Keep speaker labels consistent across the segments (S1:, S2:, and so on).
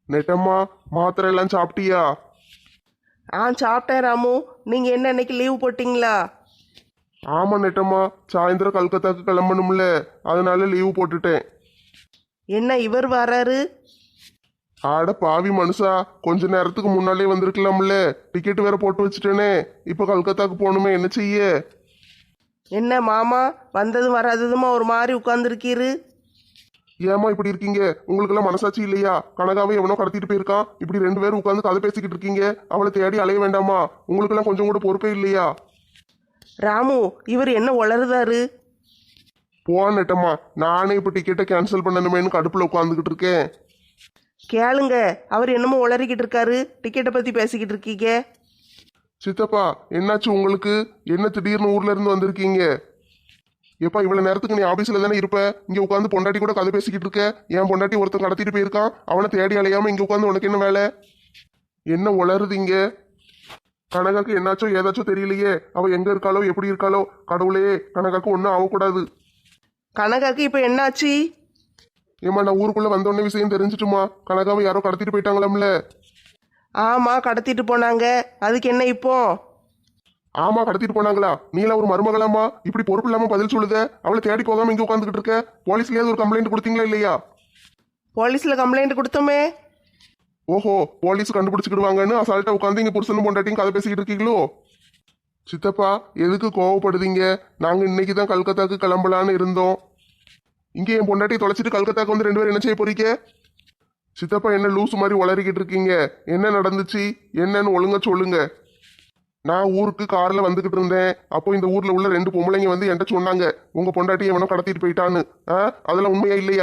S1: நெட்டம்மா, மாத்திரை எல்லாம் சாப்பிட்டியா?
S2: சாப்பிட்டேன் ராமு. நீங்கள் என்ன இன்னைக்கு லீவு போட்டிங்களா?
S1: ஆமா நெட்டம்மா, சாயந்தரம் கல்கத்தாக்கு கிளம்பணும்ல, அதனால லீவு போட்டுட்டேன்.
S2: என்ன இவர் வராரு?
S1: ஆட பாவி மனுஷா, கொஞ்ச நேரத்துக்கு முன்னாலே வந்திருக்கலாம்ல. டிக்கெட் வேற போட்டு வச்சுட்டேனே. இப்போ கல்கத்தாக்கு போகணுமே, என்ன செய்ய?
S2: என்ன மாமா வந்ததும் வராததுமா ஒரு மாதிரி உட்கார்ந்துருக்கீரு?
S1: ஏமா இப்படி இருக்கீங்க? உங்களுக்கெல்லாம் மனசாட்சி இல்லையா? கனகாவை எவனோ கடத்திட்டு போயிருக்கான், இப்படி 2 பேரும் உட்காந்து கதை பேசிக்கிட்டு இருக்கீங்க. அவளை தேடி அலைய வேண்டாமா? உங்களுக்கெல்லாம் கொஞ்சம் கூட பொறுப்பே இல்லையா?
S2: ராமு, இவர் என்ன உளறுதாரு?
S1: போ நெட்டம்மா, நானே இப்போ டிக்கெட்டை கேன்சல் பண்ணணுமேனு கடுப்பில் உட்காந்துக்கிட்டு இருக்கேன்.
S2: கேளுங்க, அவர் என்னமோ உளறிக்கிட்டு இருக்காரு. டிக்கெட்டை பற்றி பேசிக்கிட்டு இருக்கீங்க.
S1: சித்தப்பா, என்னாச்சு உங்களுக்கு? என்ன திடீர்னு ஊர்ல இருந்து வந்திருக்கீங்க? எப்பா, இவ்வளவு நேரத்துக்கு நீ ஆபீஸ்ல தானே இருப்ப? இங்க உட்காந்து பொண்டாட்டி கூட கதை பேசிக்கிட்டு இருக்க. என் பொண்டாட்டி ஒருத்தன் கடத்திட்டு போயிருக்கான், அவனை தேடி அலையாம இங்க உட்காந்து உனக்கு என்ன வேலை? என்ன உளருதீங்க? கனகாக்கு என்னாச்சோ ஏதாச்சோ தெரியலையே. அவ எங்க இருக்காளோ எப்படி இருக்காளோ. கடவுளே, கனகாக்கு ஒன்றும் ஆகக்கூடாது.
S2: கனகாக்கு இப்போ என்னாச்சு?
S1: ஏமா, நான் ஊருக்குள்ள வந்தோடனே விஷயம் தெரிஞ்சிட்டுமா? கனகாவை யாரோ கடத்திட்டு போயிட்டாங்களாம்ல.
S2: ஆமாம், கடத்திட்டு போனாங்க. அதுக்கு என்ன இப்போ?
S1: ஆமா, கடத்திட்டு போனாங்களா? நீல ஒரு மருமகளாமா இப்படி பொறுப்பு இல்லாம பதில் சொல்லுத? அவளை தேடி போகாம இங்க உட்காந்துக்கிட்டு இருக்க. போலீஸ்லயாவது ஒரு கம்ப்ளைண்ட் கொடுத்தீங்களா இல்லையா?
S2: போலீஸில் கம்ப்ளைண்ட் கொடுத்தோமே.
S1: ஓஹோ, போலீஸ் கண்டுபிடிச்சிக்கிடுவாங்கன்னு அசால்ட்டா உட்காந்து இங்க புருஷனும் பொண்டாட்டியும் கதை பேசிக்கிட்டு இருக்கீங்களோ? சித்தப்பா, எதுக்கு கோவப்படுதீங்க? நாங்க இன்னைக்கு தான் கல்கத்தாக்கு கிளம்பலான்னு இருந்தோம். இங்கே என் பொண்டாட்டி தொலைச்சிட்டு கல்கத்தாக்கு வந்து 2 பேரும் என்ன செய்ய போறீங்க? சித்தப்பா, என்ன லூசு மாதிரி உளறிக்கிட்டு இருக்கீங்க? என்ன நடந்துச்சு என்னன்னு ஒழுங்கா சொல்லுங்க. நான் ஊருக்கு கார்ல வந்துகிட்டு இருந்தேன். அப்போ இந்த ஊர்ல உள்ள 2 பொம்பளைங்க வந்து என்கிட்ட சொன்னாங்க, உங்க பொண்டாட்டி எவனோ கடத்திட்டு போயிட்டான்னு. அதெல்லாம் உண்மையா இல்லையா?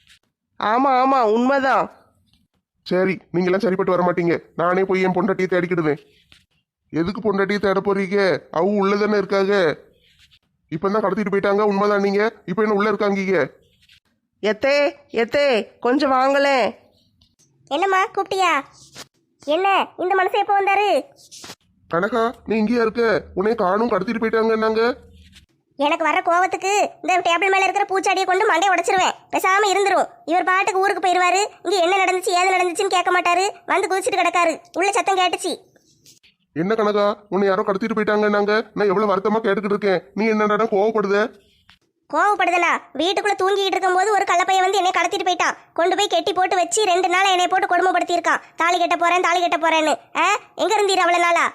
S2: ஆமாம் ஆமாம், உண்மைதான்.
S1: சரி, நீங்களாம் சரிப்பட்டு வர மாட்டீங்க. நானே போய் என் பொண்டாட்டியை தேடிக்கிடுவேன். எதுக்கு பொண்டாட்டியை தேட போறீங்க? அவங்க உள்ளதானே இருக்காங்க. இப்பதான் கடத்திட்டு போயிட்டாங்க, உண்மைதான். நீங்க இப்ப என்ன உள்ள இருக்காங்க?
S2: எத்தே எத்தே, கொஞ்சம் வாங்களேன்.
S3: என்னம்மா கூப்பிட்டியா? என்ன இந்த மனுஷன் எப்போ வந்தாரு?
S1: கனகா, நீ இங்கேயா இருக்க? உன்னை காணும், கடத்திட்டு போயிட்டாங்கன்னாங்க.
S3: எனக்கு வர கோவத்துக்கு இந்த டேபிள் மேல இருக்கிற பூச்சாடியை கொண்டு மண்டையை உடைச்சிருவேன். பேசாம இருந்துரும். இவர் பாட்டுக்கு ஊருக்கு போயிருவாரு. இங்க என்ன நடந்துச்சு ஏது நடந்துச்சுன்னு கேட்க மாட்டாரு. வந்து குதிச்சுட்டு கிடக்காரு. உள்ள சத்தம் கேட்டுச்சு.
S1: என்ன கனகா, உன்னை யாரோ கடத்திட்டு போயிட்டாங்கன்னாங்க. நான் எவ்வளவு வருத்தமா கேட்டுக்கிட்டு இருக்கேன். நீ என்னடா கோவப்படுத?
S3: கோவப்படுதலா? வீட்டுக்குள்ள தூங்கிட்டு இருக்கும்போது ஒரு கள்ளப்பைய வந்து என்னை கடத்திட்டு போயிட்டான். கொண்டு போய் கெட்டி போட்டு வச்சு 2 நாளா என்னை போட்டு கொடுமைப்படுத்தி இருக்கான். தாலி கட்ட போறேன் தாலி கட்ட போறேன்னு. எங்க இருந்தீர் அவ்வளவு நாளா?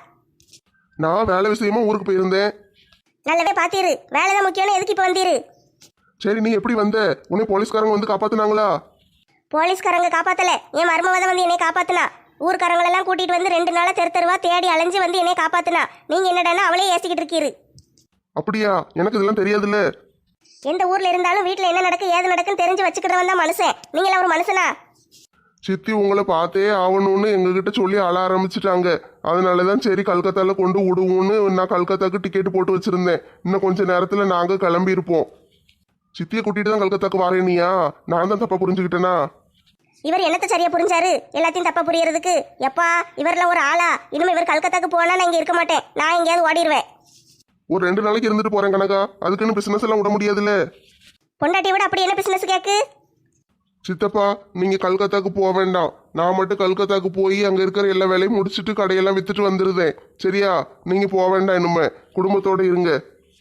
S1: நான் வேலை விஷயமா ஊருக்கு போயிருந்தேன்.
S3: நல்லாவே பாத்தீரு. வேலைதான் முக்கியம்னு எதுக்கு இப்ப வந்தீரு?
S1: சரி, நீ எப்படி வந்த? உன்னை போலீஸ்காரங்க வந்து காப்பாத்துனாங்களா?
S3: போலீஸ்காரங்க காப்பாத்தல, என் மருமவதான் வந்து என்னை காப்பாத்துனா. ஊர்க்காரங்களெல்லாம் கூட்டிட்டு வந்து 2 நாளா தெருவா தேடி அலைஞ்சு வந்து என்னை காப்பாத்துனா. நீங்க என்னடான்னா அவளே ஏசிக்கிட்டு இருக்கீரு.
S1: அப்படியா? எனக்கு இதெல்லாம் தெரியாதுல்ல.
S3: எந்த ஊர்ல இருந்தாலும் வீட்டுல என்ன நடக்கு ஏது நடக்குன்னு தெரிஞ்சு வச்சுக்கிறவன் தான் மனுஷன். நீங்களா ஒரு மனுஷனா?
S1: சித்தி உங்களை பார்த்தே ஆகணும்னு எங்ககிட்ட சொல்லி அழ ஆரம்பிச்சுட்டாங்க. அதனாலதான் சரி கல்கத்தால கொண்டு விடுவோம்னு நான் கல்கத்தாக்கு டிக்கெட் போட்டு வச்சிருந்தேன். இன்னும் கொஞ்ச நேரத்துல நாங்க கிளம்பி இருப்போம். சித்தியை கூட்டிட்டு தான் கல்கத்தாக்கு வாரேனியா? நான் தான் தப்பா புரிஞ்சுக்கிட்டேனா?
S3: இவர் என்னத்த சரியா புரிஞ்சாரு? எல்லாத்தையும் தப்பா புரியறதுக்கு. எப்பா, இவரெல்லாம் ஒரு ஆளா? இனிமே இவர் கல்கத்தாக்கு போனா நான் இங்க இருக்க மாட்டேன். நான் எங்கேயாவது ஓடிடுவேன்.
S1: ஒரு 2 நாளைக்கு இருந்துட்டு போறேன் கனகா. அதுக்குன்னு பிசினஸ் எல்லாம் விட முடியாதுல்ல.
S3: பொண்டாட்டியை விட அப்படி என்ன பிசினஸ் கேக்கு?
S1: சித்தப்பா, நீங்க கல்கத்தாக்கு போக வேண்டாம். நான் மட்டும் கல்கத்தாக்கு போய் அங்க இருக்கிற எல்லா வேலையும் முடிச்சுட்டு கடையெல்லாம் வித்துட்டு வந்துருதேன். சரியா? நீங்க போக வேண்டாம், இனிமே குடும்பத்தோட இருங்க.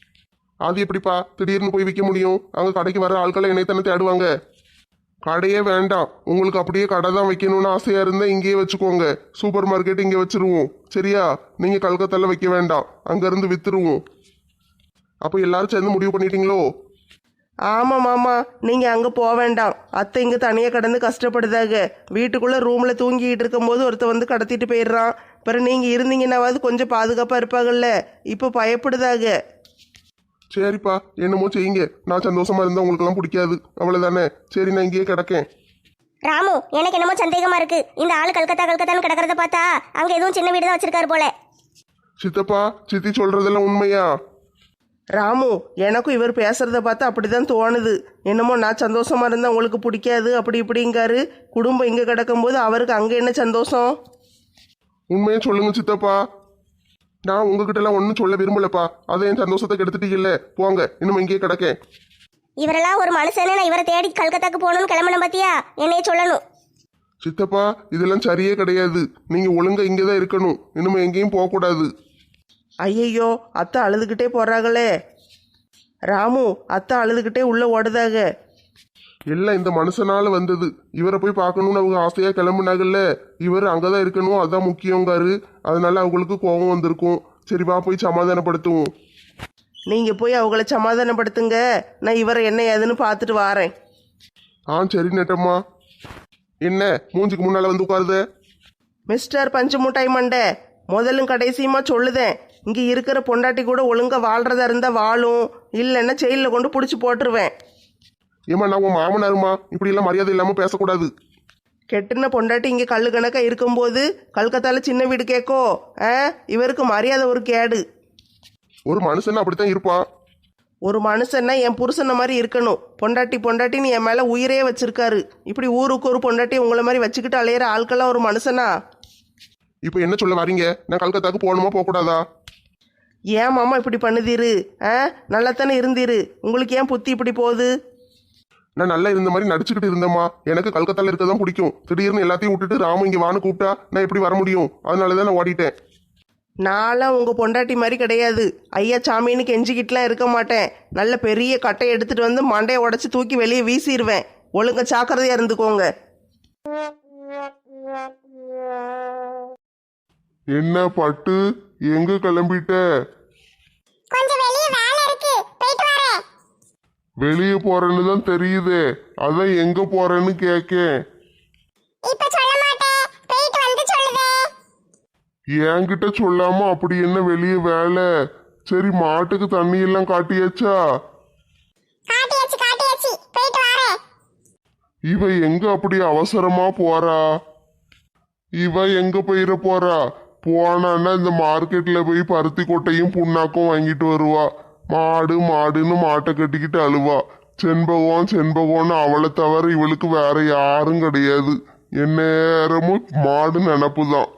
S1: அது எப்படிப்பா திடீர்னு போய் விற்க முடியும்? அங்க கடைக்கு வர ஆட்களை என்னைத்தானே தேடுவாங்க. கடையே வேண்டாம். உங்களுக்கு அப்படியே கடை தான் வைக்கணும்னு ஆசையா இருந்தா இங்கேயே வச்சுக்கோங்க. சூப்பர் மார்க்கெட் இங்கே வச்சிருவோம். சரியா? நீங்க கல்கத்தால வைக்க வேண்டாம், அங்க இருந்து வித்துருவோம். அப்போ எல்லாரும் சேர்ந்து முடிவு பண்ணிட்டீங்களோ?
S2: ஆமாம் மாமா, நீங்கள் அங்கே போக வேண்டாம். அத்தை இங்கே தனியாக கடந்து கஷ்டப்படுதாங்க. வீட்டுக்குள்ளே ரூமில் தூங்கிட்டு இருக்கும்போது ஒருத்தர் வந்து கடத்திட்டு போயிடுறான். பிறகு நீங்கள் இருந்தீங்கன்னாவது கொஞ்சம் பாதுகாப்பாக இருப்பாங்கல்ல. இப்போ பயப்படுதாங்க.
S1: சரிப்பா, என்னமோ செய்யுங்க. நான் சந்தோஷமா இருந்தா உங்களுக்கெல்லாம் பிடிக்காது, அவ்வளவுதானே. சரி, நான் இங்கேயே கிடக்கேன்.
S3: ராமு, எனக்கு என்னமோ சந்தேகமா இருக்கு. இந்த ஆளு கல்கத்தான்னு கிடக்கிறத பார்த்தா அங்க எதுவும் சின்ன வீடு தான் வச்சிருக்காரு போல.
S1: சித்தப்பா, சித்தி சொல்றதெல்லாம் உண்மையா?
S2: ராமு, எனக்கும் இவர் பேசுகிறத பார்த்தா அப்படி தான் தோணுது. என்னமோ நான் சந்தோஷமாக இருந்தால் உங்களுக்கு பிடிக்காது அப்படி இப்படிங்காரு. குடும்பம் இங்கே கிடக்கும்போது அவருக்கு அங்கே என்ன சந்தோஷம்?
S1: உண்மையை சொல்லுங்க சித்தப்பா. நான் உங்ககிட்ட எல்லாம் ஒன்றும் சொல்ல விரும்பலப்பா. அதை என் சந்தோஷத்தை கெடுத்துட்டீங்கல்ல. போங்க, இன்னும் இங்கேயே கிடக்கேன்.
S3: இவரெல்லாம் ஒரு மனுஷனே. நான் இவரை தேடி கல்கத்தாக்கு போகணும்னு கிளம்பணும் பாத்தியா? என்னைய சொல்லணும்.
S1: சித்தப்பா இதெல்லாம் சரியே கிடையாது. நீங்க ஒழுங்கா இங்கதான் இருக்கணும். இனிமே எங்கேயும் போக கூடாது.
S2: ஐயையோ, அத்தை அழுதுகிட்டே போறாங்களே. ராமு, அத்தை அழுதுகிட்டே உள்ள ஓடுதாக.
S1: எல்லாம் இந்த மனுஷனால வந்தது. இவரை போய் பார்க்கணும்னு அவங்க ஆசையா கிளம்புனாங்கல்ல. இவர் அங்கதான் இருக்கணும், அதான் முக்கியங்காரு. அதனால அவங்களுக்கு கோபம் வந்திருக்கும். சரி வா போய் சமாதானப்படுத்துவோம்.
S2: நீங்க போய் அவங்கள சமாதானப்படுத்துங்க, நான் இவரை என்ன ஏதுன்னு பார்த்துட்டு வாரேன்.
S1: சரி நெட்டம்மா. என்ன மூஞ்சுக்கு முன்னால வந்து உட்காருத?
S2: மிஸ்டர் பஞ்சு முட்டாய் மண்டை, முதலும் கடைசியுமா சொல்லுதேன், இங்கே இருக்கிற பொண்டாட்டி கூட ஒழுங்கா வாழ்றதா இருந்தா வாழும், இல்லைன்னா ஜெயிலில் கொண்டு பிடிச்சி போட்டுருவேன்.
S1: ஏமா நான் உன் மாமனாருமா, இப்படி எல்லாம் மரியாதை இல்லாம பேசக்கூடாது.
S2: கெட்டுன பொண்டாட்டி இங்கே கல்லு கணக்கா இருக்கும்போது கல்கத்தால சின்ன வீடு கேட்கோ? இவருக்கு மரியாதை ஒரு கேடு.
S1: ஒரு மனுஷன் அப்படித்தான் இருப்பான்.
S2: ஒரு மனுஷன்னா என் புருஷனை மாதிரி இருக்கணும். பொண்டாட்டி பொண்டாட்டின்னு என் மேலே உயிரே வச்சிருக்காரு. இப்படி ஊருக்கு ஒரு பொண்டாட்டி உங்களை மாதிரி வச்சுக்கிட்டு அலையிற ஆட்கள்லாம் ஒரு மனுஷனா?
S1: இப்போ என்ன சொல்ல வரீங்க? நான் கல்கத்தாக்கு போகணுமா போகக்கூடாதா?
S2: ஏன் மாமா இப்படி பண்ணுதீரு? நல்லாத்தானே இருந்தீரு, உங்களுக்கு ஏன் புத்தி இப்படி போகுது?
S1: நான் நல்லா இருந்த மாதிரி நடிச்சுக்கிட்டு இருந்தேம்மா. எனக்கு கல்கத்தால இருக்க தான் பிடிக்கும். திடீர்னு எல்லாத்தையும் விட்டுட்டு ராமு இங்கே வான்னு கூப்பிட்டா நான் எப்படி வர முடியும்? அதனால தான் நான் ஓடிட்டேன்.
S2: நான்லாம் உங்கள் பொண்டாட்டி மாதிரி கிடையாது. ஐயா சாமின்னு கெஞ்சிக்கிட்டுலாம் இருக்க மாட்டேன். நல்ல பெரிய கட்டை எடுத்துட்டு வந்து மண்டையை உடச்சி தூக்கி வெளியே வீசிடுவேன். ஒழுங்கா ஜாக்கிரதையா இருந்துக்கோங்க.
S1: என்ன பட்டு, எங்க கிளம்பிட்ட?
S3: கொஞ்சம் வெளியே வேலை இருக்கு, போயிட்டு வரேன்.
S1: வெளியே போறேன்னு தான் தெரியுதே, அதான் எங்க போறேன்னு கேக்கேன்.
S3: இப்ப சொல்ல மாட்டேன், போயிட்டு வந்து சொல்லுதே.
S1: என்கிட்ட சொல்லாம அப்படி என்ன வெளியே வேலை? சரி மாட்டுக்கு தண்ணி எல்லாம் காட்டியாச்சா?
S3: காட்டியாச்சு, போயிட்டு வரேன்.
S1: இவ எங்க அப்படி அவசரமா போறா? இவ எங்க போயிட போறா? போனான்னா இந்த மார்க்கெட்ல போய் பருத்தி கொட்டையும் புண்ணாக்கும் வாங்கிட்டு வருவா. மாடுன்னு மாட்டை கட்டிக்கிட்டு அழுவா. செண்பகம்னு அவளை தவிர இவளுக்கு வேற யாரும் கிடையாது. எந்நேரமும் மாடு நினப்பு தான்.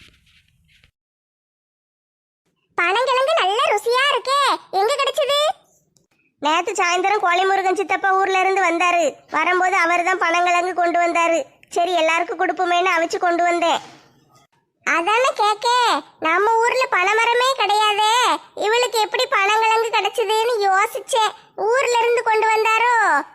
S3: பனங்கிழங்கு நல்ல ருசியா இருக்கே, எங்க கிடைச்சது? நேத்து சாயந்தரம் கோழிமுருகன் சித்தப்பா ஊர்ல இருந்து வந்தாரு. வரும்போது அவர் தான் பனங்கிழங்கு கொண்டு வந்தாரு. சரி எல்லாருக்கும் கொடுப்போமேன்னு அவிச்சு கொண்டு வந்தேன். அதானே கேக்க, நம்ம ஊர்ல பனைமரமே கிடையாதே, இவளுக்கு எப்படி பனங்கிழங்கு கிடைச்சதுன்னு யோசிச்சேன். ஊர்ல இருந்து கொண்டு வந்தாரோ?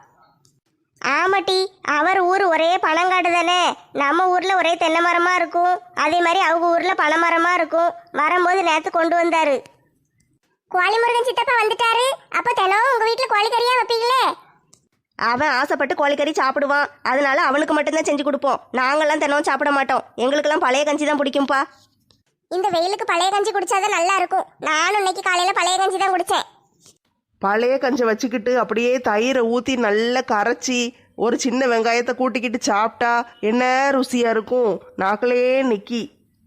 S3: ஆமாட்டி, அவர் ஊர் ஒரே பனங்காடு தானே. நம்ம ஊர்ல ஒரே தென்னை மரமா இருக்கும், அதே மாதிரி அவங்க ஊர்ல பனைமரமா இருக்கும். வரும்போது நேத்து கொண்டு வந்தாரு. கோழிமுருகன் சித்தப்பா வந்துட்டாரு. அப்ப தினம் உங்க வீட்டுல கோழிக்கறியா வைப்பீங்களே?
S2: அவன் ஆசைப்பட்டு கோழிக்கறி சாப்பிடுவான், அதனால அவனுக்கு மட்டும்தான் செஞ்சு கொடுப்போம். நாங்கெல்லாம் தினமும் சாப்பிட மாட்டோம். எங்களுக்கெல்லாம் பழைய கஞ்சி தான் பிடிக்கும்பா.
S3: இந்த வெயிலுக்கு பழைய கஞ்சி குடிச்சாதான் நல்லா இருக்கும். நானும் இன்னைக்கு காலையில பழைய கஞ்சி தான் குடிச்சேன்.
S2: பழைய கஞ்சி வச்சுக்கிட்டு அப்படியே தயிரை ஊற்றி நல்லா கரைச்சி ஒரு சின்ன வெங்காயத்தை கூட்டிக்கிட்டு சாப்பிட்டா என்ன ருசியா இருக்கும், நாக்கிலே நிக்கி.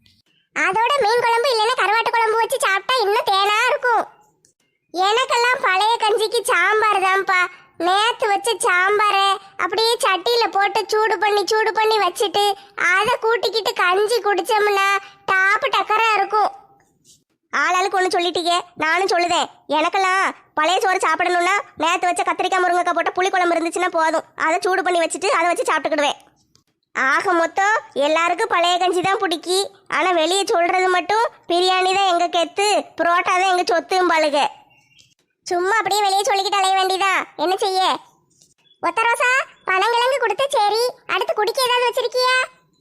S3: அதோட மீன் குழம்பு இல்லைன்னா கருவாட்டு குழம்பு வச்சு சாப்பிட்டா இன்னும் தேனா இருக்கும். எனக்கெல்லாம் பழைய கஞ்சிக்கு சாம்பார் தான்ப்பா. நேத்து வச்ச சாம்பாரை அப்படியே சட்டியில போட்டு சூடு பண்ணி வச்சுட்டு அதை கூட்டிக்கிட்டு கஞ்சி குடிச்சோம்னா டாப்பு டக்கரா இருக்கும். ஆளாளுக்கு ஒன்று சொல்லிட்டீங்க, நானும் சொல்லுதேன். எனக்கெல்லாம் பழைய சோறு சாப்பிடணும்னா நேற்று வச்ச கத்திரிக்காய் முருங்கைக்காய் போட்ட புளி குழம்பு இருந்துச்சுன்னா போதும். அதை சூடு பண்ணி வச்சுட்டு அதை வச்சு சாப்பிட்டுக்கிடுவேன். ஆக மொத்தம் எல்லாருக்கும் பழைய கஞ்சி தான் பிடிக்கி. ஆனால் வெளியே சொல்றது மட்டும் பிரியாணி தான் எங்க கெத்து, புரோட்டா தான் எங்க சொத்தும் பழுக. சும்மா அப்படியே வெளியே சொல்லிக்கிட்டு அலைய வேண்டியதா, என்ன செய்ய? ஒத்த ரோசா, பனங்கிழங்கு கொடுத்து சரி, அடுத்து குடிக்க ஏதாவது வச்சிருக்கியா?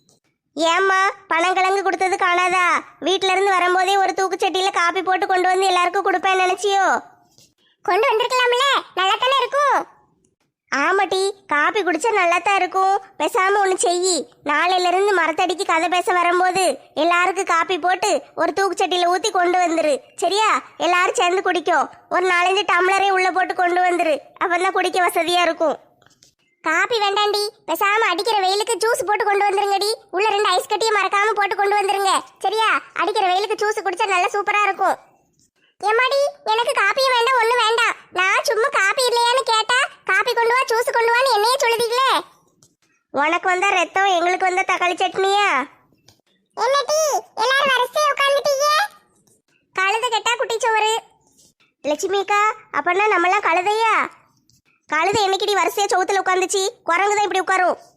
S3: ஏம்மா பனங்கிழங்கு கொடுத்தது காணாதா? வீட்டுல இருந்து வரும்போதே ஒரு தூக்குச்சட்டியில காப்பி போட்டு கொண்டு வந்து எல்லாருக்கும் கொடுப்பேன்னு நினைச்சியோ? கொண்டு வந்திருக்கலாம்ல, நல்லா தானே இருக்கும். ஆமாட்டி, காப்பி குடிச்சா நல்லா தான் இருக்கும். பேசாம ஒன்று செய், நாளையில இருந்து மரத்தடிக்கு கதை பேச வரும்போது எல்லாருக்கும் காப்பி போட்டு ஒரு தூக்குச்சட்டியில ஊற்றி கொண்டு வந்துரு. சரியா? எல்லாரும் சேர்ந்து குடிக்கும். ஒரு 4-5 டம்ளரே உள்ள போட்டு கொண்டு வந்துரு, அப்பதான் குடிக்க வசதியா இருக்கும். காப்பி வேண்டாண்டி, பேசாம அடிக்கிற வெயிலுக்கு ஜூஸ் போட்டு கொண்டு வந்துருங்கடி. உள்ள 2 ஐஸ் கட்டியை மறக்காம போட்டு கொண்டு வந்துருங்க. சரியா? அடிக்கிற வெயிலுக்கு ஜூஸ் குடிச்சா நல்லா சூப்பரா இருக்கும். ஏமாடி, எனக்கு காப்பியும் வேண்டாம், ஒன்றும் வேண்டாம். நான் சும்மா காப்பி இல்லையான்னு கேட்டா காப்பி கொண்டு வா ஜூஸ் கொண்டு வான்னு என்னையே சொல்லுதீங்களே. உனக்கு வந்தா ரத்தம், எங்களுக்கு வந்தா தக்காளி சட்னியா? என்னடி எல்லாரும் வரிசையா உட்கார்ந்துட்டீங்க? கழுதை கெட்டா குட்டிச்சோறு. லட்சுமிக்கா, அப்பன்னா நம்மலாம் கழுதையா? கழுதை என்னைக்குடி வரிசையா சவுத்துல உட்காந்துச்சு? குரங்கு தான் இப்படி உட்காரும்.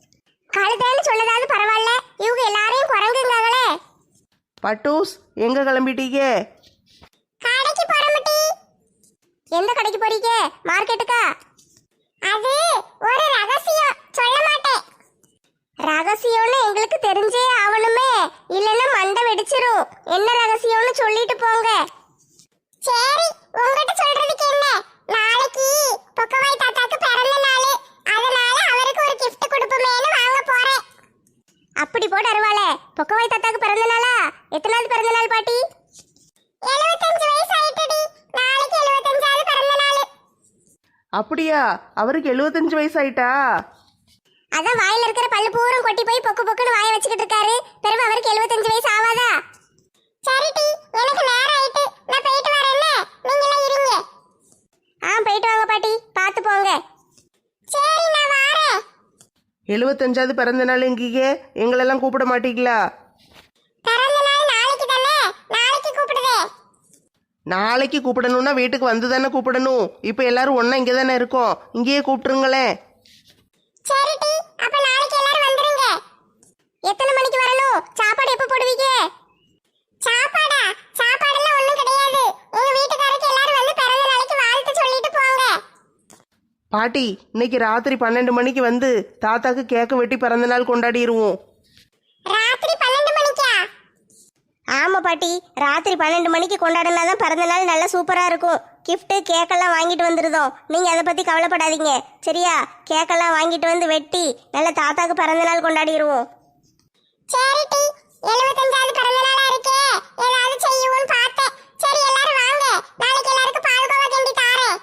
S3: கழுதைன்னு சொல்லதாவது பரவாயில்ல, இவங்க எல்லாரையும் குரங்குங்காங்களே.
S2: பட்டூஸ் எங்கே கிளம்பிட்டீங்க?
S3: கடைக்கு போறமட்டி. எந்த கடைக்கு போறீங்க? மார்க்கெட்டுக்கா? அது ஒரு ரகசியம், சொல்ல மாட்டேன். ரகசியம்னு எங்களுக்கு தெரிஞ்சே ஆகணுமே, இல்லைன்னா மண்டை வெடிச்சிரும். என்ன ரகசியம்னு சொல்லிட்டு போங்க. சரி, உங்ககிட்ட சொல்றதுக்கு என்ன, நாளைக்கு பொக்கவாய் தாத்தாக்கு பிறந்த நாள், அதனால அவருக்கு ஒரு gift கொடுப்போமேன்னு வாங்க போறேன். அப்படி போட அருவாளே, பொக்கவாய் தாத்தாக்கு பிறந்த நாளா? எத்தனாவது பிறந்த நாள் பாட்டி? 75 வயசு ஆயிட்டுடி. நாளைக்கு 75வது பிறந்த நாள்.
S2: அப்படியா? அவருக்கு 75 வயசு ஆயிட்டா?
S3: அதான் வாயில இருக்கிற பல்லு பூரம் கொட்டி போய் பொக்கு பொக்குன்னு வாய வச்சுக்கிட்டு இருக்காரு. பிறகு அவருக்கு 75 வயசு ஆவாதா? சரிடி, எனக்கு நேரம் ஆயிட்டு, நான் போயிட்டு வரேன். நீங்க எல்லாம் இருங்க. போயிட்டு வாங்க பாட்டி, பார்த்து போங்க. சரி, நான் வரேன்.
S2: 75வது பிறந்த நாள் எங்கீங்க? எங்களெல்லாம் கூப்பிட மாட்டீங்களா?
S3: பிறந்த நாள் நாளைக்கு தானே, நாளைக்கு கூப்பிடுதே.
S2: நாளைக்கு கூப்பிடணும்னா வீட்டுக்கு வந்து தானே கூப்பிடணும். இப்போ எல்லாரும் ஒன்றா இங்கே தானே இருக்கோம், இங்கேயே கூப்பிட்டுருங்களேன்.
S3: சரிடி, அப்ப நாளைக்கு எல்லாரும் வந்துருங்க. எத்தனை மணிக்கு வரணும்? சாப்பாடு எப்ப போடுவீங்க? சாப்பாடா? சாப்பாடெல்லாம் ஒண்ணும் கிடையாது. எங்க வீட்டுக்காரருக்கு எல்லாரும் வந்து பிறந்த நாளைக்கு வாழ்த்து சொல்லிட்டு போங்க.
S2: பாட்டி, இன்னைக்கு ராத்திரி 12 மணிக்கு வந்து தாத்தாக்கு கேக்கு வெட்டி பிறந்த நாள் கொண்டாடிடுவோம்.
S3: ராத்திரி 12 மணிக்கா? ஆமா பாட்டி, ராத்திரி 12 மணிக்கு கொண்டாடினா தான் பிறந்த நாள் நல்லா சூப்பரா இருக்கும். கிஃப்ட் கேக்கெல்லாம் வாங்கிட்டு வந்துருதோம். நீங்க அதை பத்தி கவலைப்படாதீங்க, சரியா? கேக்கெல்லாம் வாங்கிட்டு வந்து வெட்டி நல்ல தாத்தாக்கு பிறந்த நாள் கொண்டாடிடுவோம். சரிடி, 75வது பிறந்த நாளா இருக்கே, ஏதாவது செய்யுவோன்னு பார்த்தேன். சரி, எல்லாரும் வாங்க, நாளைக்கு எல்லாருக்கும் பால்கோவா கிண்டி தாரேன்.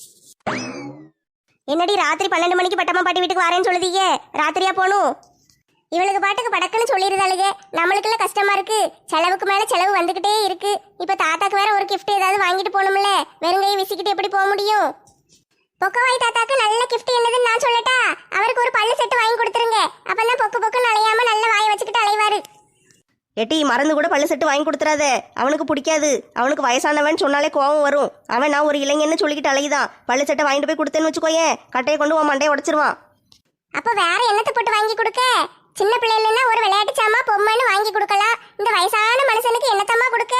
S3: என்னடி ராத்திரி 12 மணிக்கு பட்டம்மா பாட்டி வீட்டுக்கு வரேன்னு சொல்லுதீங்க? ராத்திரியா போகணும்? இவளுக்கு பாட்டுக்கு படக்குன்னு சொல்லிடுதாளுங்க. நம்மளுக்குள்ள கஷ்டமா இருக்கு, செலவுக்கு மேல செலவு வந்துகிட்டே இருக்கு. இப்ப தாத்தாக்கு வேற ஒரு கிஃப்ட் ஏதாவது வாங்கிட்டு போகணும்ல, வெறுங்கையை விசிக்கிட்டு எப்படி போக முடியும்? பொக்கவாய் தாத்தாக்கு நல்ல கிஃப்ட் என்னதுன்னு நான் சொல்லட்டா? அவருக்கு ஒரு பல்லு செட்டு வாங்கி கொடுத்துருங்க, அப்பதான் பொக்கு பொக்குன்னு அலையாம நல்ல வாயை வச்சுக்கிட்டு அலைவாரு.
S4: எட்டி, மறந்து கூட பல்லு செட்டு வாங்கி கொடுத்துறாத, அவனுக்கு பிடிக்காது. அவனுக்கு வயசானவன் சொன்னாலே கோவம் வரும். அவன் நான் ஒரு இளைஞன்னு சொல்லிக்கிட்டு அலையுதான். பல்லு செட்டை வாங்கிட்டு போய் கொடுத்தேன்னு வச்சுக்கோயேன், கட்டையை கொண்டு உன் மண்டையை உடச்சிருவான்.
S3: அப்ப வேற என்னத்தை போட்டு வாங்கி கொடுக்க? சின்ன பிள்ளைன்னா ஒரு விளையாட்டு சாமா பொம்மைன்னு வாங்கி கொடுக்கலாம். இந்த வயசான மனுஷனுக்கு என்னத்தம்மா கொடுக்க?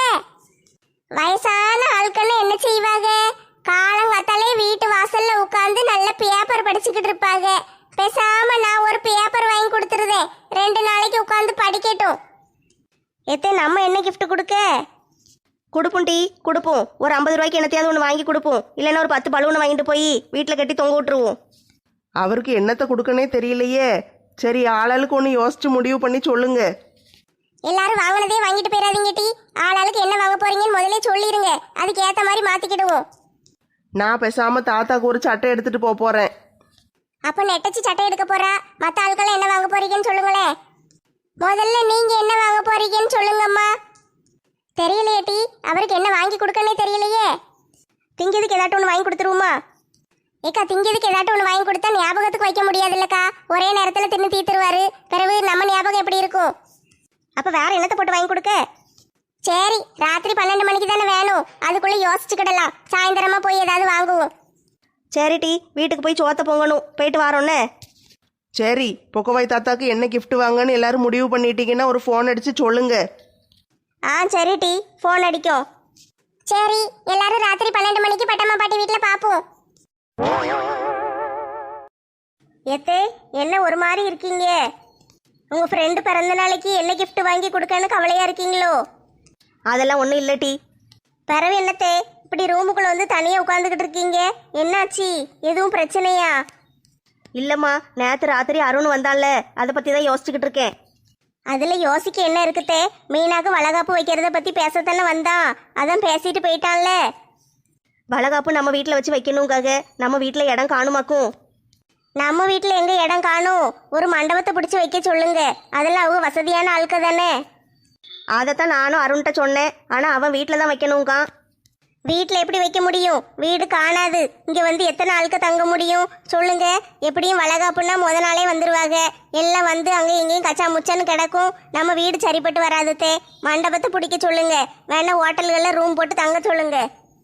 S3: வயசான ஆட்கள்னு என்ன செய்வாங்க? காலங்காத்தாலே வீட்டு வாசல்ல உட்காந்து நல்ல பேப்பர் படிச்சுக்கிட்டு இருப்பாங்க. பேசாம நான் ஒரு பேப்பர் வாங்கி கொடுத்துருதேன், 2 நாளைக்கு உட்காந்து படிக்கட்டும்.
S4: எத்தே, நம்ம என்ன கிஃப்ட் கொடுக்க? கொடுப்போம் டி, கொடுப்போம். ஒரு 50 ரூபாய்க்கு என்னத்தையாவது ஒன்று வாங்கி கொடுப்போம். இல்லைன்னா ஒரு 10 பலூனை வாங்கிட்டு போய் வீட்டில் கட்டி தொங்க விட்டுருவோம்.
S2: அவருக்கு என்னத்தை கொடுக்கனே தெரியலையே. சரி, ஆளாளுக்கு ஒன்று யோசிச்சு முடிவு பண்ணி சொல்லுங்க.
S3: எல்லாரும் வாங்கினதே வாங்கிட்டு போயிடாதீங்க டி. ஆளாளுக்கு என்ன வாங்க போறீங்கன்னு முதல்ல சொல்லிருங்க, அதுக்கு ஏத்த மாதிரி மாத்திக்கிடுவோம்.
S2: நான் பேசாம தாத்தாக்கு ஒரு சட்டை எடுத்துட்டு போறேன்.
S3: அப்ப நெட்டச்சி சட்டை எடுக்க போறா. மத்த ஆட்கள் என்ன வாங்க போறீங்கன்னு சொல்லுங்களேன். முதல்ல நீங்க என்ன வாங்க போறீங்கன்னு சொல்லுங்கம்மா. தெரியலையே டி, அவருக்கு என்ன வாங்கி கொடுக்கனே தெரியலையே.
S4: திங்கிறதுக்கு ஏதாட்டும் ஒன்று வாங்கி கொடுத்துருவோமா?
S3: ஏக்கா, திங்கிறதுக்கு ஏதாட்டும் ஒன்று வாங்கி கொடுத்தா ஞாபகத்துக்கு வைக்க முடியாது இல்லக்கா. ஒரே நேரத்தில் தின்னு தீத்துருவாரு, பிறகு நம்ம ஞாபகம் எப்படி இருக்கும்?
S4: அப்போ வேற என்னத்தை போட்டு வாங்கி கொடுக்க?
S3: சரி, ராத்திரி 12 மணிக்கு தானே வேணும், அதுக்குள்ள யோசிச்சுக்கிடலாம். சாயந்தரமா போய் ஏதாவது வாங்குவோம்.
S4: சரி டி, வீட்டுக்கு போய் சோத்த பொங்கணும், போயிட்டு வரோன்னே.
S2: சரி, பொக்கவாய் தாத்தாக்கு என்ன கிஃப்ட் வாங்கன்னு எல்லாரும் முடிவு பண்ணிட்டீங்கன்னா ஒரு ஃபோன் அடிச்சு சொல்லுங்க.
S3: சரி டி, ஃபோன் அடிக்கும். சரி, எல்லாரும் ராத்திரி 12 மணிக்கு பட்டம்மா பாட்டி வீட்டில் பார்ப்போம்.
S4: எத்தே, என்ன ஒரு மாதிரி இருக்கீங்க? உங்கள் ஃப்ரெண்டு பிறந்த நாளைக்கு என்ன கிஃப்ட் வாங்கி கொடுக்கன்னு கவலையாக இருக்கீங்களோ? அதெல்லாம் ஒன்றும் இல்லை டி. பிறவு என்னத்தே, இப்படி ரூமுக்குள்ளே வந்து தனியாக உட்காந்துக்கிட்டு இருக்கீங்க? என்னாச்சு, எதுவும் பிரச்சனையா? இல்லைம்மா, நேற்று ராத்திரி அருண் வந்தான்ல, அதை பற்றி தான் யோசிச்சுக்கிட்டு இருக்கேன். அதில் யோசிக்க என்ன இருக்குத்தே? மீனாக்கு வளகாப்பு வைக்கிறத பற்றி பேசத்தானே வந்தான், அதான் பேசிட்டு போயிட்டான்ல. வளகாப்பு நம்ம வீட்டில் வச்சு வைக்கணுங்காக நம்ம வீட்டில் இடம் காணுமாக்கும்.
S3: நம்ம வீட்டில் எங்கே இடம் காணும்? ஒரு மண்டபத்தை பிடிச்சி வைக்க சொல்லுங்க, அதெல்லாம் அவங்க வசதியான ஆளுக்க தானே.
S4: அதைத்தான் நானும் அருண்கிட்ட சொன்னேன், ஆனால் அவன் வீட்டில் தான் வைக்கணுங்கான்.
S3: வீட்டில் எப்படி வைக்க முடியும்? வீடு காணாது. இங்கே வந்து எத்தனை ஆளுக்க தங்க முடியும் சொல்லுங்க? எப்படியும் வளகாப்புன்னா முத நாளே வந்துடுவாங்க. எல்லாம் வந்து அங்கே எங்கேயும் கச்சா முச்சான்னு கிடக்கும். நம்ம வீடு சரிப்பட்டு வராதுத்தே. மண்டபத்தை பிடிக்க சொல்லுங்க, வேணா ஹோட்டல்களில் ரூம் போட்டு தங்க சொல்லுங்க.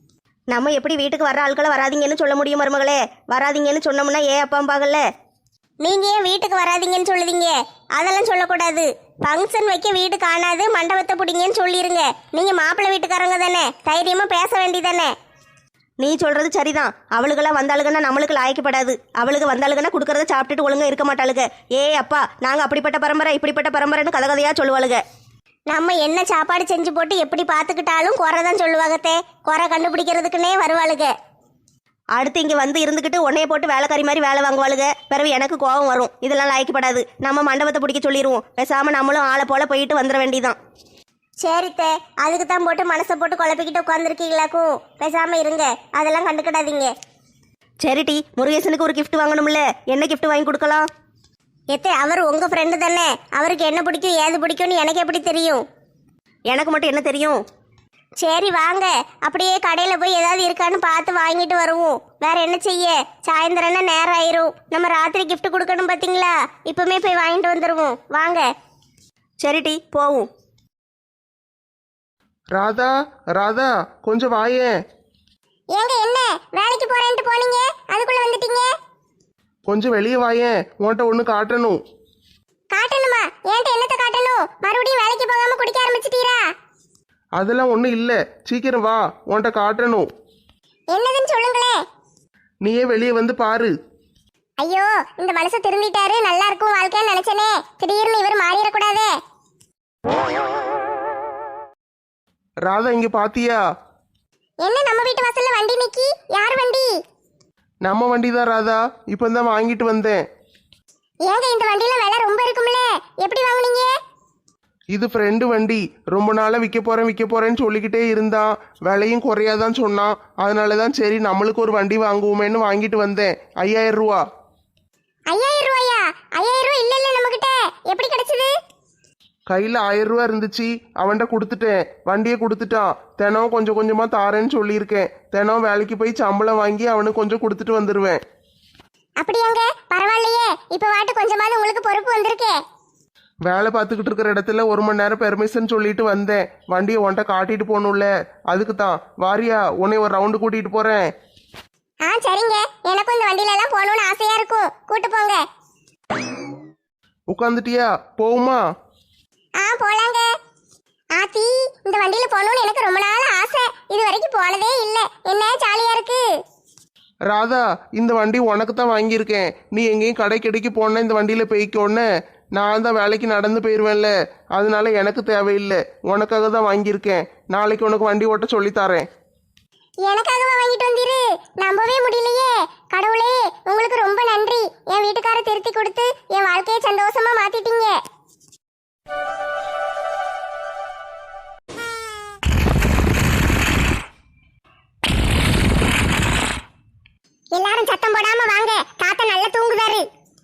S4: நம்ம எப்படி வீட்டுக்கு வர்ற ஆட்களை வராதிங்கன்னு சொல்ல முடியும் மருமகளே? வராதிங்கன்னு சொன்னோம்னா ஏன் அப்பாம்பாகல்ல. நீங்க ஏன் வீட்டுக்கு வராதீங்கன்னு சொல்லுதீங்க? அதெல்லாம் சொல்லக்கூடாது. ஃபங்க்ஷன் வைக்க வீடு காணாது, மண்டபத்தை பிடிங்கன்னு சொல்லிருங்க. நீங்க மாப்பிள்ளை வீட்டுக்காரங்க தானே, தைரியமா பேச வேண்டியதானே. நீ சொல்றது சரிதான். அவளுக்கெல்லாம் வந்தாளுங்கன்னா நம்மளுக்கு லாய்க்கப்படாது. அவளுக்கு வந்தாளுங்கன்னா கொடுக்கறத சாப்பிட்டுட்டு ஒழுங்கா இருக்க மாட்டாளுங்க. ஏ அப்பா, நாங்க அப்படிப்பட்ட பரம்பரை இப்படிப்பட்ட பரம்பரைன்னு கதை கதையா சொல்லுவாளுங்க. நம்ம என்ன சாப்பாடு செஞ்சு போட்டு எப்படி பார்த்துக்கிட்டாலும் குறை தான் சொல்லுவாங்கத்தே. குறை கண்டுபிடிக்கிறதுக்குன்னே வருவாளுங்க. அடுத்து இங்கே வந்து இருந்துக்கிட்டு உன்னைய போட்டு வேலைக்காரி மாதிரி வேலை வாங்குவாளுங்க. பிறகு எனக்கு கோபம் வரும். இதெல்லாம் லாய்க்கப்படாது. நம்ம மண்டபத்தை பிடிக்க சொல்லிடுவோம். பேசாமல் நம்மளும் ஆளை போல போயிட்டு வந்துட வேண்டியதான். சரித்தே, அதுக்கு தான் போட்டு மனசை போட்டு குழப்பிக்கிட்டு உட்காந்துருக்கீங்களாக்கும். பேசாமல் இருங்க, அதெல்லாம் கண்டுக்கிடாதீங்க. சரிட்டி, முருகேசனுக்கு ஒரு கிஃப்ட் வாங்கணும்ல, என்ன கிஃப்ட் வாங்கி கொடுக்கலாம்? எத்தே, அவர் உங்கள் ஃப்ரெண்டு தானே, அவருக்கு என்ன பிடிக்கும் ஏது பிடிக்கும்னு எனக்கு எப்படி தெரியும்? எனக்கு மட்டும் என்ன தெரியும்? சரி வாங்க, அப்படியே கடையில் போய் ஏதாவது இருக்கான்னு பார்த்து வாங்கிட்டு வருவோம். வேற என்ன செய்ய, சாயந்தரம்னா நேரம் ஆயிரும். நம்ம ராத்திரி கிஃப்ட் கொடுக்கணும் பார்த்தீங்களா, இப்பவுமே போய் வாங்கிட்டு வந்துடுவோம். வாங்க. சரிட்டி, போவோம்.
S2: ராதா, ராதா, கொஞ்சம் வாயேன்.
S3: ஏங்க என்ன வேலைக்கு போறேன்ட்டு போனீங்க, அதுக்குள்ள வந்துட்டீங்க?
S2: கொஞ்சம் வெளியே வாயேன், உன்கிட்ட ஒன்று காட்டணும்.
S3: காட்டணுமா? ஏன்ட்ட என்னத்த காட்டணும்? மறுபடியும் வேலைக்கு போகாம குடிக்க ஆரம்பிச்சிட்டீரா?
S2: அதெல்லாம் ஒன்றும் இல்லை, சீக்கிரம் வா, உன்கிட்ட காட்டணும்.
S3: என்னதுன்னு சொல்லுங்களே.
S2: நீயே வெளியே வந்து பாரு.
S3: ஐயோ, இந்த மனுஷன் திரும்பிட்டாரு, நல்லா இருக்கும் வாழ்க்கைன்னு நினைச்சனே. திடீர்னு இவர் மாறிடக்கூடாதே.
S2: ராதா, இங்க பாத்தியா?
S3: என்ன நம்ம வீட்டு வாசல்ல வண்டி நிக்கி? யார் வண்டி?
S2: நம்ம வண்டி தான் ராதா, இப்போ தான் வாங்கிட்டு வந்தேன்.
S3: ஏங்க இந்த வண்டியில விலை ரொம்ப இருக்கும்ல, எப்படி வாங்குனீங்க?
S2: இது ஃப்ரெண்டு வண்டி, ரொம்ப நாளாக விற்க போறேன்னு சொல்லிக்கிட்டே இருந்தான். விலையும் குறையாதான் சொன்னான். அதனால தான் சரி நம்மளுக்கு ஒரு வண்டி வாங்குவோமேன்னு வாங்கிட்டு வந்தேன். 5000 ரூபா.
S3: 5000 ரூபாயா? 5000 ரூபாய் இல்ல இல்ல நம்ம கிட்ட. எப்படி கிடைச்சது?
S2: கையில் 1000 ரூபா இருந்துச்சு, அவன்கிட்ட கொடுத்துட்டேன். வண்டியை கொடுத்துட்டான். தினம் கொஞ்சம் கொஞ்சமா தாரேன்னு சொல்லியிருக்கேன். தினம் வேலைக்கு போய் சம்பளம் வாங்கி அவனுக்கு கொஞ்சம் கொடுத்துட்டு வந்துடுவேன்.
S3: அப்படியாங்க, பரவாயில்லையே. இப்ப வாட்டு கொஞ்சமாவது உங்களுக்கு பொறுப்பு வந்திருக்கே.
S2: வேலை பார்த்துக்கிட்டு இருக்கிற இடத்துல 1 மணி நேரம் பெர்மிஷன் சொல்லிட்டு வந்தேன். வண்டியை உன்கிட்ட காட்டிட்டு போகணும்ல, அதுக்கு தான். வாரியா, உன்னை ஒரு ரவுண்டு கூட்டிட்டு போறேன்.
S3: சரிங்க, எனக்கும் இந்த வண்டியில எல்லாம் போகணும்னு ஆசையா இருக்கும். கூட்டு போங்க.
S2: உட்காந்துட்டியா? போகுமா?
S3: போலாங்க. ஆத்தி, இந்த வண்டியில போகணும்னு எனக்கு ரொம்ப நாள் ஆசை. இது வரைக்கும் போனதே இல்ல. என்ன ஜாலியா இருக்கு.
S2: ராதா, இந்த வண்டி உனக்கு தான் வாங்கியிருக்கேன். நீ எங்கேயும் கடைக்கு போன இந்த வண்டியில போய்க்கோன்னு. நான் தான் வேலைக்கு நடந்து போயிடுவேன்ல, அதனால எனக்கு தேவையில்லை. உனக்காக தான் வாங்கியிருக்கேன். நாளைக்கு உனக்கு வண்டி ஓட்ட சொல்லித்தாரேன்.
S3: எனக்காகவா வாங்கிட்டு வந்தீரு? நம்பவே முடியலையே. கடவுளே, உங்களுக்கு ரொம்ப நன்றி. என் வீட்டுக்கார திருத்தி கொடுத்து என் வாழ்க்கையை சந்தோஷமா மாத்திட்டீங்க. எல்லாரும் சத்தம் போடாம வாங்க, தாத்தா நல்லா தூங்குதாரு.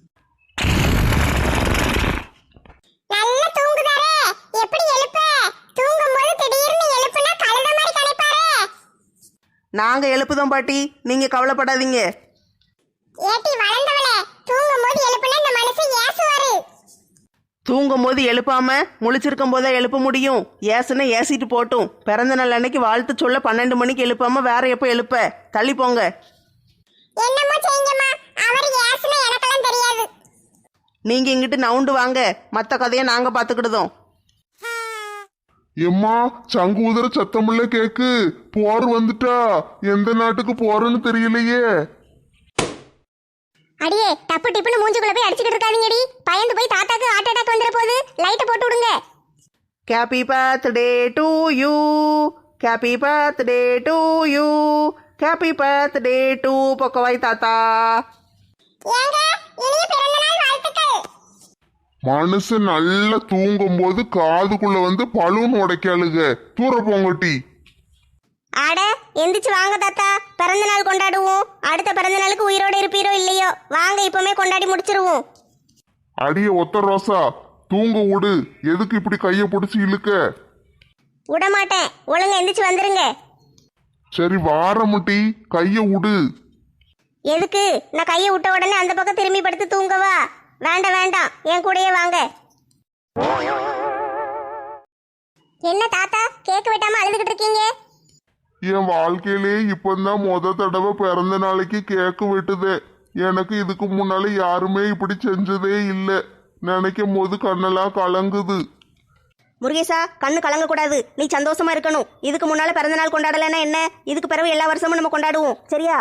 S3: நல்லா தூங்குதாரே, எப்படி எழுப்ப? தூங்கும்போது திடீர்னு எழுப்புனா கழுத மாதிரி களைப்பாரே.
S2: நாங்க எழுப்புதோம் பாட்டி, நீங்க கவலைப்படாதீங்க.
S3: ஏட்டி வளர்ந்தவளே, தூங்கும்போது எழுப்புனா இந்த மனுஷன் ஏசுவாரு.
S2: தூங்கும் போது எழுப்பாம முழிச்சிருக்கும் போதே எழுப்ப முடியும். ஏசுன்னா ஏசிட்டு போட்டும். பிறந்த நாள் அன்னைக்கு வாழ்த்து சொல்ல 12 மணிக்கு எழுப்பாம வேற எப்போ எழுப்ப? தள்ளி போங்க.
S3: என்னமோ செய்யுங்கம்மா, அவர் ஏசுனா எனக்கெல்லாம் தெரியாது.
S2: நீங்க இங்கிட்டு நவுண்டு வாங்க, மற்ற கதையை நாங்க பாத்துக்கிடுதோம்.
S1: எம்மா, சங்கு உதற சத்தமுள்ள கேக்கு. போர் வந்துட்டா. எந்த நாட்டுக்கு போறன்னு தெரியலையே.
S3: அடியே, டப்பு டிப்புன்னு மூஞ்சுக்குள்ள போய் அடிச்சுக்கிட்டு இருக்காதீங்கடி. பயந்து போய் தாத்தாக்கு ஹார்ட் அட்டாக் வந்துற போது. லைட்டை போட்டு விடுங்க.
S2: Happy birthday to you, happy birthday to you, happy birthday to பொக்கவாய் தாத்தா.
S3: ஏங்க, இனிய பிறந்த நாள் வாழ்த்துக்கள்.
S1: மனுஷன் நல்லா தூங்கும் போது காதுக்குள்ள வந்து பலூன் உடைக்காளுக. தூர போங்கட்டி.
S4: ஆட, எந்திரிச்சு வாங்க தாத்தா, பிறந்த நாள் கொண்டாடுவோம். அடுத்த பிறந்த நாளுக்கு உயிரோட இருப்பீரோ இல்லையோ, வாங்க இப்பவுமே கொண்டாடி முடிச்சிருவோம்.
S1: அடிய ஒத்த ரோசா, தூங்க விடு. எதுக்கு இப்படி கைய பிடிச்சி இழுக்க?
S4: விடமாட்டேன், ஒழுங்கா எந்திரிச்சு வந்துருங்க.
S1: சரி வாரமுட்டி, கைய விடு.
S4: எதுக்கு? நான் கையை விட்ட உடனே அந்த பக்கம் திரும்பி படுத்து தூங்கவா? வேண்டாம் வேண்டாம், என் கூடயே வாங்க.
S3: என்ன தாத்தா, கேக் வெட்டாம அழுதுகிட்டு இருக்கீங்க?
S1: என் வாழ்க்கையிலே இப்பதான் தடவை பிறந்த நாளைக்கு கேக்கு வெட்டுது. எனக்கு இதுக்கு முன்னால யாருமே இப்படி செஞ்சதே இல்லை. நினைக்கும் போது கண்ணெல்லாம் கலங்குது.
S4: முருகேசா, கண்ணு கலங்கக்கூடாது. நீ சந்தோஷமா இருக்கணும். இதுக்கு முன்னால பிறந்த நாள் கொண்டாடலைன்னா என்ன, இதுக்கு பிறகு எல்லா வருஷமும் நம்ம கொண்டாடுவோம். சரியா?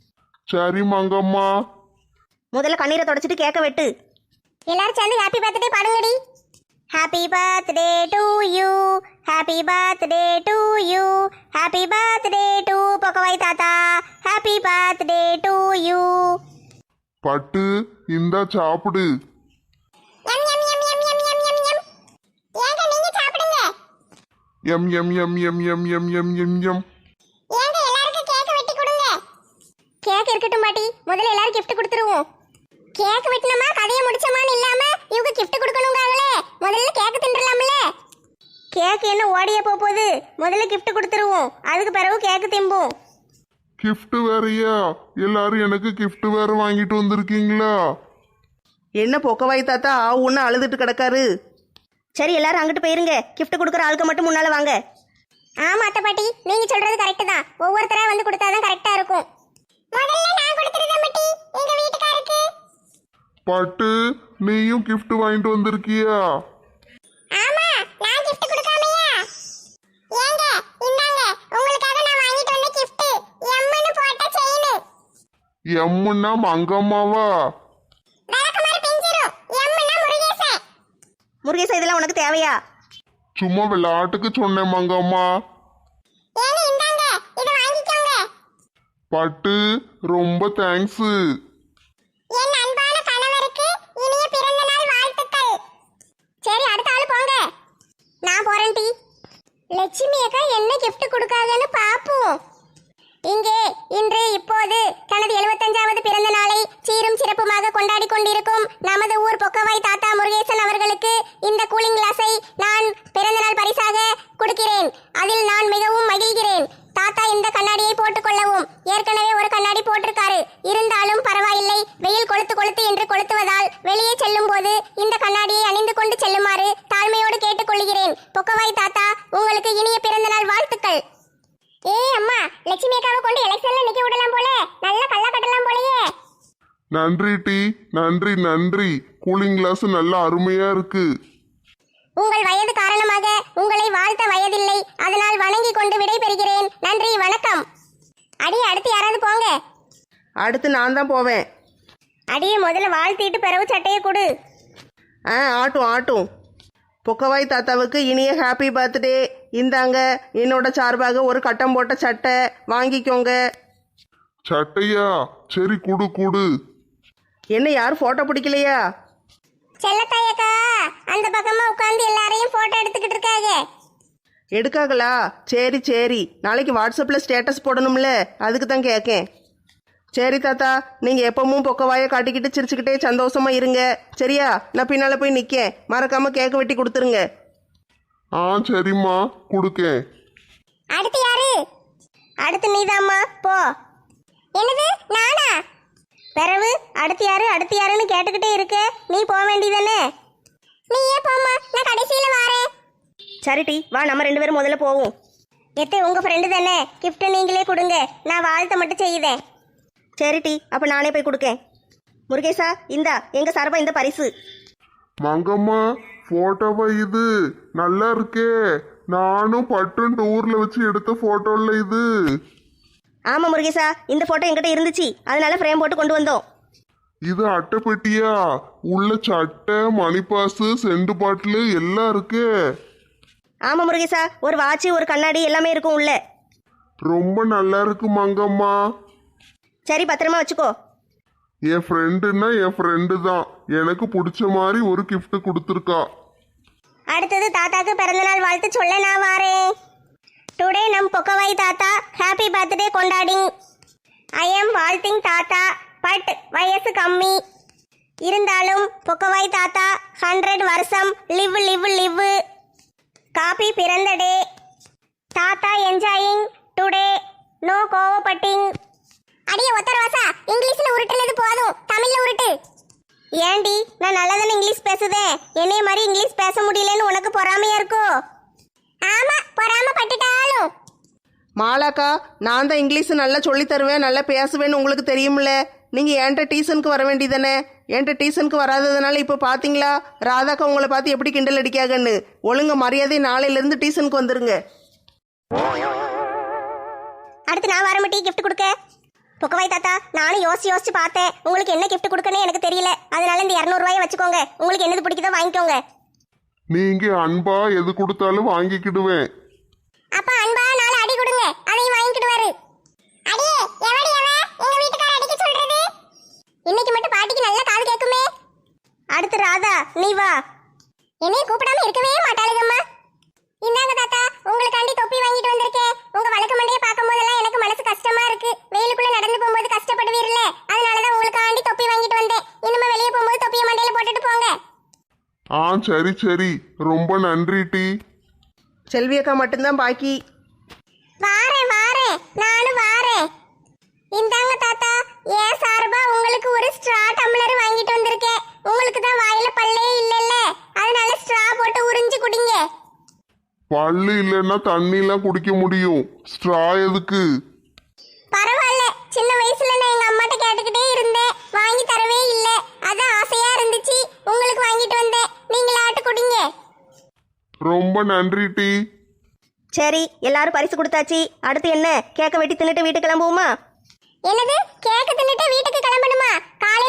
S1: சரி மங்கம்மா.
S4: முதல்ல கண்ணீரை தொடச்சிட்டு கேட்க வெட்டு.
S3: எல்லாரும் சேர்ந்து ஹாப்பி பர்த்டே பாடுங்கடி.
S4: Happy birthday to you, happy birthday to you, happy birthday to பொக்கவாய் தாத்தா, ஹாப்பி பர்த்டே டு யூ.
S1: பட்டு இந்தா சாப்பிடு.
S3: எம் எம் எம் எம் எம் எம் எம் எம். ஏங்க நீங்க சாப்பிடுங்க.
S1: எம் எம் எம் எம் எம் எம் எம் எம் எம்.
S3: ஏங்க எல்லாருக்கும் கேக் வெட்டி கொடுங்க.
S4: கேக் இருக்கட்டும் பாட்டி, முதல்ல எல்லாரும் gift கொடுத்துருவோம்.
S3: கேக் வெட்டினமா கதையை முடிச்சமான்னு இல்லாம இவங்க கிஃப்ட் கொடுக்கணுங்காங்களே. முதல்ல கேக் தின்றலாம்ல.
S4: கேக் என்ன ஓடியே போகுது, முதல்ல gift கொடுத்துருவோம். அதுக்கு பிறகு கேக் திம்போம்.
S1: கிஃப்ட் வேறயா? எல்லாரும் எனக்கு கிஃப்ட் வேற வாங்கிட்டு வந்திருக்கீங்களா?
S2: என்ன பொக்கவாய் தாத்தா ஒன்று அழுதுட்டு கிடக்காரு.
S4: சரி, எல்லாரும் அங்கிட்டு போயிருங்க. gift கொடுக்குற ஆளுக்கு மட்டும் முன்னால வாங்க.
S3: ஆமா அத்தை பாட்டி, நீங்க சொல்றது கரெக்ட் தான். ஒவ்வொருத்தரா வந்து கொடுத்தாதான் கரெக்டா இருக்கும். முதல்ல நான் கொடுத்துறேன் பாட்டி, எங்க வீட்டுக்காருக்கு.
S1: பட்டு நீயும் கிஃப்ட் வாங்கிட்டு வந்திருக்கியா?
S3: ஆமா, நான் gift கொடுக்காமையா? ஏங்க இந்தாங்க, உங்களுக்காக நான் வாங்கிட்டு வந்த gift. எம்னு போட்ட செயின்.
S1: எம்முன்னா மங்கம்மாவா?
S3: விளக்குமாறு பிஞ்சிரும். எம்னா முருகேசன்.
S4: முருகேசா, இதெல்லாம் உனக்கு தேவையா?
S1: சும்மா விளையாட்டுக்கு சொன்னேன் மங்கம்மா.
S3: ஏங்க இந்தாங்க, இத வாங்கிக்கோங்க.
S1: பட்டு ரொம்ப தேங்க்ஸ்.
S3: என் அன்பான கணவருக்கு இனிய பிறந்த நாள் வாழ்த்துக்கள். சரி, அடுத்த ஆளு போங்க. நான் போறேன் டி. லட்சுமி அக்கா என்ன gift கொடுக்காங்கன்னு பாப்போம். இங்கே இன்று இப்போது தனது 75வது பிறந்த நாளை சீரும் சிறப்புமாக கொண்டாடி கொண்டிருக்கும் நமது ஊர் பொக்கவாய் தாத்தா முருகேசன் அவர்களுக்கு இந்த கூலிங் கிளாஸை நான் பிறந்த நாள் பரிசாக கொடுக்கிறேன். அதில் நான் மிகவும் மகிழ்கிறேன். தாத்தா இந்த கண்ணாடியை போட்டுக்கொள்ளவும். ஏற்கனவே ஒரு கண்ணாடி போட்டிருக்காரு. இருந்தாலும் பரவாயில்லை, வெயில் கொளுத்து கொளுத்து என்று கொளுத்துவதால் வெளியே செல்லும் போது இந்த கண்ணாடியை அணிந்து கொண்டு செல்லுமாறு தாழ்மையோடு கேட்டுக்கொள்கிறேன். பொக்கவாய் தாத்தா, உங்களுக்கு இனிய பிறந்த நாள் வாழ்த்துக்கள். ஏய் அம்மா, லட்சுமி அக்காவை கொண்டு எலெக்ஷன்ல நிக்க விடலாம் போல. நல்ல கள்ள கட்டலாம் போலயே.
S1: நன்றி டி, நன்றி நன்றி. கூலிங் கிளாஸ் நல்ல அருமையா இருக்கு.
S3: உங்கள் வயது காரணமாக உங்களை வாழ்த்த வயதில்லை. அதனால் வணங்கி கொண்டு விடை பெறுகிறேன். நன்றி, வணக்கம். அடி, அடுத்து யாராவது போங்க.
S2: அடுத்து நான் தான் போவேன்.
S4: அடியே, முதல்ல வாழ்த்திட்டு பிறகு சட்டையை கொடு.
S2: ஆட்டும் ஆட்டும். பொக்கவாய் தாத்தாவுக்கு இனிய ஹாப்பி பர்த்டே. இந்தாங்க என்னோட சார்பாக ஒரு கட்டம் போட்ட சட்டை வாங்கிக்கோங்க.
S1: சட்டையா? சரி குடு குடு.
S2: என்ன யாரும் ஃபோட்டோ பிடிக்கலையா?
S3: செல்லத்தாயக்கா அந்த பக்கமா உட்கார்ந்து எல்லாரையும் போட்டோ எடுத்துக்கிட்டு இருக்காங்க.
S2: எடுக்காங்களா? சரி சரி, நாளைக்கு வாட்ஸ்அப்பில் ஸ்டேட்டஸ் போடணும்ல, அதுக்கு தான் கேட்கேன். சரி தாத்தா, நீங்கள் எப்பவும் பொக்கவாயை காட்டிக்கிட்டு சிரிச்சுக்கிட்டே சந்தோஷமா இருங்க. சரியா? நான் பின்னால் போய் நிற்கேன். மறக்காமல் கேக் வெட்டி கொடுத்துருங்க.
S1: சரிம்மா, கொடுக்கேன்.
S3: அடுத்து யாரு?
S4: அடுத்து நீதாம்மா, போ.
S3: என்னது, நானா?
S4: பிறகு அடுத்து யாரு அடுத்து யாருன்னு கேட்டுக்கிட்டே இருக்க, நீ போக வேண்டியதானே?
S3: நீயே போம்மா, நான் கடைசியில வாரேன்.
S4: சரிட்டி, வா, நம்ம 2 பேரும் முதல்ல போவோம். எத்தே, உங்க ஃப்ரெண்டு தானே, gift நீங்களே கொடுங்க. நான் வாழ்த்த மட்டும் செய்யுதேன். சரிட்டி, அப்ப நானே போய் கொடுக்கேன். முருகேசா, இந்தா எங்க சார்பா இந்த பரிசு.
S1: மங்கம்மா, போட்டோவா இது? நல்லா இருக்கே. நானும் பட்டும் டூர்ல வச்சு எடுத்த போட்டோல இது.
S4: ஆமா முருகேசா, இந்த போட்டோ என்கிட்ட இருந்துச்சு, அதனால ஃப்ரேம் போட்டு கொண்டு வந்தோம்.
S1: இது அட்டைப்பெட்டியா? உள்ள சட்டை, மணிப்பாசு, செண்டு பாட்டில் எல்லாம் இருக்கு.
S4: ஆமா முருகேசா, ஒரு வாட்ச், ஒரு கண்ணாடி எல்லாமே இருக்கும் உள்ள.
S1: ரொம்ப நல்லா இருக்கு மங்கம்மா.
S4: சரி, பத்திரமா வச்சுக்கோ.
S1: என் ஃப்ரெண்டுன்னா என் ஃப்ரெண்டு தான். எனக்கு பிடிச்ச மாதிரி ஒரு gift கொடுத்துருக்கா.
S4: அடுத்தது தாத்தாக்கு பிறந்தநாள் வாழ்த்து சொல்ல நான் வாரேன். டுடே நம் பொக்கவாய் தாத்தா ஹாப்பி பர்த்டே கொண்டாடிங். ஐ எம் வாழ்த்திங் தாத்தா, பட் வயசு கம்மி. இருந்தாலும் பொக்கவாய் தாத்தா 100 வருஷம் லிவ் லிவ் லிவ். காப்பி பிறந்த டே. தாத்தா என்ஜாயிங் டுடே, நோ கோவப்பட்டிங்.
S3: அடியே ஒத்தரவாசா, இங்கிலீஷ்ல உருட்டுனது போதும், தமிழ்ல உருட்டு.
S4: ஏண்டி, நான் நல்லதானே இங்கிலீஷ் பேசுதேன். என்னைய மாதிரி இங்கிலீஷ் பேச முடியலன்னு உனக்கு பொறாமையா இருக்கோ?
S3: ஆமா, பொறாம பட்டுட்டாலும்.
S2: மாலாக்கா, நான் தான் இங்கிலீஷ் நல்லா சொல்லி தருவேன், நல்லா பேசுவேன்னு உங்களுக்கு தெரியும்ல. நீங்கள் என்கிட்ட டியூஷனுக்கு வர வேண்டியதானே? என்கிட்ட டியூஷனுக்கு வராததுனால இப்போ பார்த்தீங்களா ராதாக்கா உங்களை பார்த்து எப்படி கிண்டல் அடிக்காகன்னு. ஒழுங்க மரியாதை நாளையிலேருந்து டியூஷனுக்கு வந்துருங்க.
S4: அடுத்து நான் வரமாட்டி கிஃப்ட் கொடுக்க. பொக்கவாய் தாத்தா, நானும் யோசிச்சு பார்த்தேன். உங்களுக்கு என்ன கிஃப்ட் கொடுக்கணும்னு எனக்கு தெரியல. அதனால இந்த 200 ரூபாயை வச்சுக்கோங்க. உங்களுக்கு என்னது பிடிக்குதோ வாங்கிக்கோங்க.
S1: நீங்க அன்பா எது கொடுத்தாலும் வாங்கிக்கிடுவேன்.
S3: அப்ப அன்பா 4 அடி கொடுங்க, அதையும் வாங்கிடுவாரு. அடியே எவடி அவ எங்க வீட்டுக்கார அடிக்க சொல்றது? இன்னைக்கு மட்டும் பாட்டிக்கு நல்ல காது கேக்குமே.
S4: அடுத்து ராதா, நீ வா.
S3: என்னைய கூப்பிடாம இருக்கவே மாட்டாளுங்கம்மா. இந்தாங்க தாத்தா, உங்களுக்காண்டி தொப்பி வாங்கிட்டு வந்திருக்கேன். உங்க வழக்கு மண்டையை பார்க்கும் போதெல்லாம் எனக்கு மனசு கஷ்டமா இருக்கு. வெயிலுக்குள்ள நடந்து போகும்போது கஷ்டப்படுவீர்ல, அதனாலதான் உங்களுக்காண்டி தொப்பி வாங்கிட்டு வந்தேன். இனிமே வெளியே போகும்போது தொப்பியை மண்டையில போட்டுட்டு போங்க.
S1: சரி சரி, ரொம்ப நன்றி டி.
S2: செல்வி அக்கா மட்டும்தான் பாக்கி.
S3: வாரேன் நானும் வாரேன். இந்தாங்க தாத்தா, ஏன் சார்பா உங்களுக்கு ஒரு ஸ்ட்ரா டம்ளர் வாங்கிட்டு வந்திருக்கேன். உங்களுக்கு தான் வாயில பல்லே இல்லைல்ல, அதனால ஸ்ட்ரா போட்டு உறிஞ்சு குடிங்க.
S1: பல்லு இல்லைன்னா தண்ணிலாம் குடிக்க முடியும், ஸ்ட்ரா எதுக்கு?
S3: பரவாயில்ல, சின்ன வயசுல நான் எங்க அம்மாட்ட கேட்டுக்கிட்டே இருந்தேன், வாங்கி தரவே இல்லை. அதான் ஆசையா இருந்துச்சு, உங்களுக்கு வாங்கிட்டு வந்தேன். நீங்களாட்டு குடிங்க.
S1: ரொம்ப நன்றி டி.
S4: சரி, எல்லாரும் பரிசு கொடுத்தாச்சு. அடுத்து என்ன? கேக்க வெட்டி தின்னுட்டு வீட்டுக்கு கிளம்புவோமா?
S3: என்னது, கேக்கு தின்னுட்டு வீட்டுக்கு கிளம்பணுமா? காலையில